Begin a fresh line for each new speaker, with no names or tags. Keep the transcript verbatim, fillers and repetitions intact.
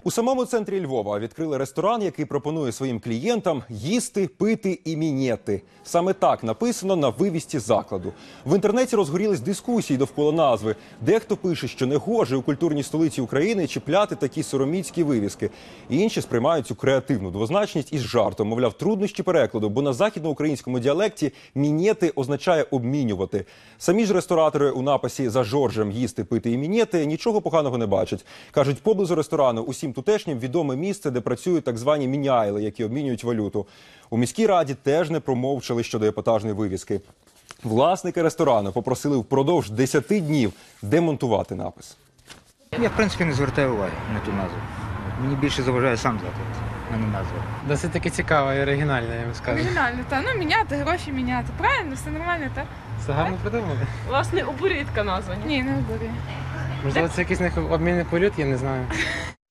У самому центрі Львова відкрили ресторан, який пропонує своїм клієнтам їсти, пити і мінети. Саме так написано на вивісці закладу. В інтернеті розгорілись дискусії довкола назви. Дехто пише, що не гоже у культурній столиці України чіпляти такі сороміцькі вивіски. Інші сприймають цю креативну двозначність із жартом. Мовляв, труднощі перекладу, бо на західноукраїнському діалекті мінети означає обмінювати. Самі ж ресторатори у написі «За Жоржем їсти, пити і мінети» нічого поганого не бачать. Кажуть, поблизу ресторану усім тутешнім відоме місце, де працюють так звані міняйли, які обмінюють валюту. У міській раді теж не промовчали щодо епатажної вивіски. Власники ресторану попросили впродовж десяти днів демонтувати напис.
Я, в принципі, не звертаю уваги на ту назву. Мені більше заважає сам заклад, а не назва.
Досить таки цікаво і оригінально, я вам скажу.
Оригінально, так. Ну, міняти, гроші міняти. Правильно, все нормально, так?
Це гарно придумали.
Власне, обурює така назва, ні?
Ні, не обурює.
Можливо, це якийсь них обмінний політ, я не знаю.